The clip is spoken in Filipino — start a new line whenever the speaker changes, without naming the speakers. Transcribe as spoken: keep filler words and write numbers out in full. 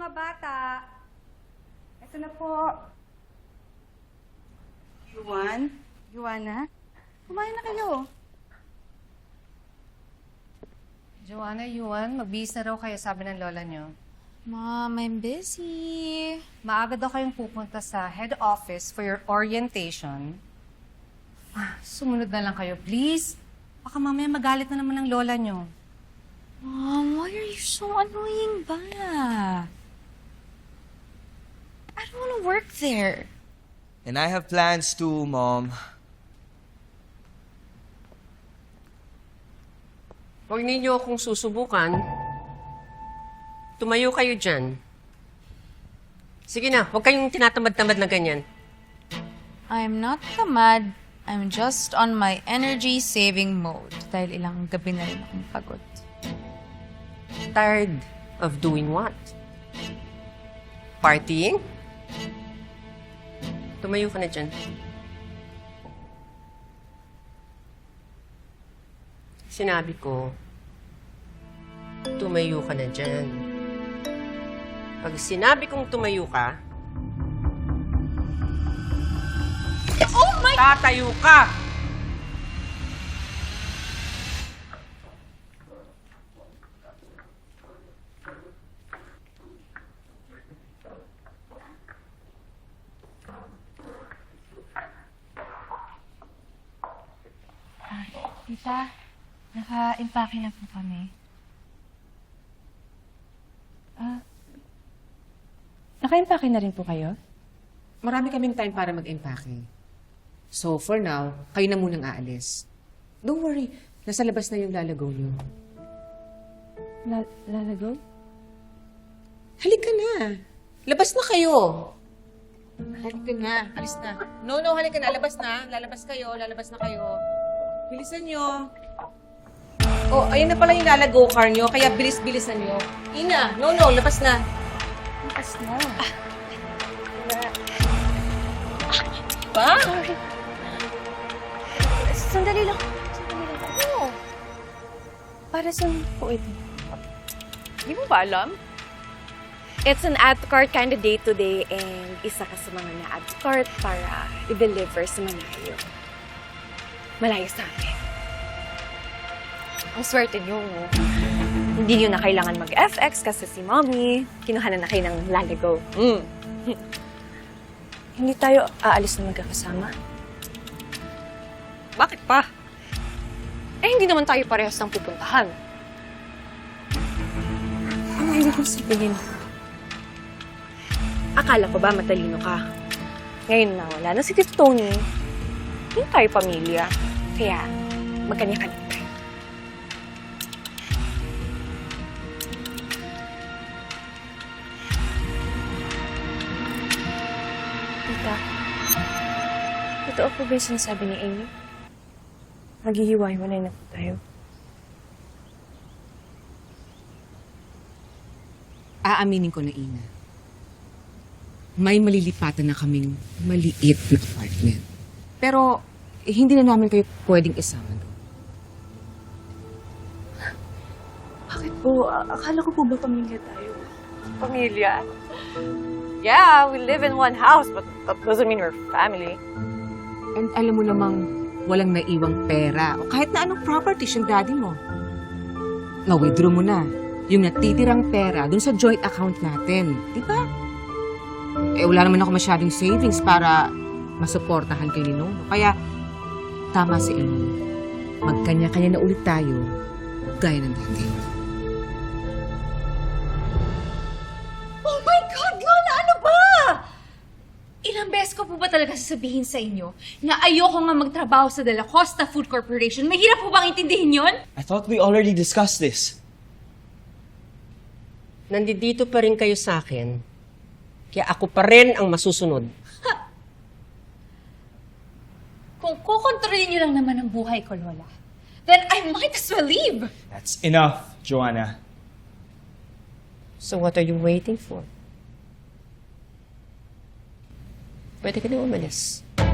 mga bata. Ito na po. Yuan? Yuana? Kumain na kayo.
Joanna, Yuan, magbihis na raw kayo, sabi ng lola niyo.
Mom, I'm busy.
Maaga daw kayong pupunta sa head office for your orientation. Ah, sumunod na lang kayo, please. Baka mamaya magalit na naman ng lola niyo.
Mom, why are you so annoying ba? I don't want to work there.
And I have plans too, Mom.
Huwag ninyo akong susubukan. Tumayo kayo dyan. Sige na, huwag kayong tinatamad-tamad na ganyan.
I'm not tamad. I'm just on my energy-saving mode. Dahil ilang gabi na rin akong pagod.
Tired of doing what? Partying? Tumayo ka na dyan. Sinabi ko, tumayo ka na dyan. Pag sinabi kong tumayo ka, oh my! Tatayo ka!
Tita, naka-impake na po kami. Ah, naka-impake na rin po kayo?
Marami kaming time para mag-empake. So, for now, kayo na munang aalis. Don't worry, nasa labas na yung lalago niyo.
La- lalago?
Halika na. Labas na kayo. Halika na. Alis na. No, no, halika na. Labas na. Lalabas kayo. Lalabas na kayo. Bilisan nyo. Oh, ayan na pala yung lalago car nyo. Kaya bilis-bilisan nyo. Ina, no, no. Labas na.
Labas na.
Ba?
Sorry. Sandali lang. Sandali lang. Ano? Para saan po ito?
Di mo ba alam? It's an ad cart kind of day to day and isa ka sa mga na-ad cart para i-deliver sa malayo. Malayo sa akin. Ang swerte niyo, no? Hindi niyo na kailangan mag-F X kasi si Mommy, kinuha na na kayo ng lalago.
Mm.
Hindi tayo aalis na magkakasama. Bakit pa? Eh, hindi naman tayo parehas ng pupuntahan. Ano ibig kong sabihin? Akala ko ba matalino ka? Ngayon na wala na si Tito Tony. Hindi tayo pamilya. Kaya, magkanya-kanya tayo. Tita, totoo po ba yung sinasabi ni Amy? Maghihiwa-hiwalay na po tayo.
Aaminin ko na, Ina. May malilipatan na kaming maliit na apartment. Pero, eh, hindi na namin kayo pwedeng isama doon.
Bakit po? A- Akala ko po ba pamilya tayo? Pamilya? Yeah, we live in one house, but that doesn't mean we're family.
And alam mo namang walang naiwang pera o kahit na anong properties yung daddy mo. Na-withdraw mo na yung natitirang pera dun sa joint account natin. Di ba? Eh, wala naman ako masyadong savings para masuportahan kay ni Nono. Kaya, tama si Amy. Magkanya-kanya na ulit tayo gaya ng dati.
Oh my God, Lola! Ano ba? Ilang beses ko po ba talaga sasabihin sa inyo na ayoko nga magtrabaho sa De La Costa Food Corporation? Mahirap po bang intindihin yun?
I thought we already discussed this.
Nandito pa rin kayo sa akin, kaya ako pa rin ang masusunod.
Kung kukontrolin niyo lang naman ang buhay ko, Lola, then I might as well leave.
That's enough, Joanna.
So what are you waiting for? Pwede ka na umalis.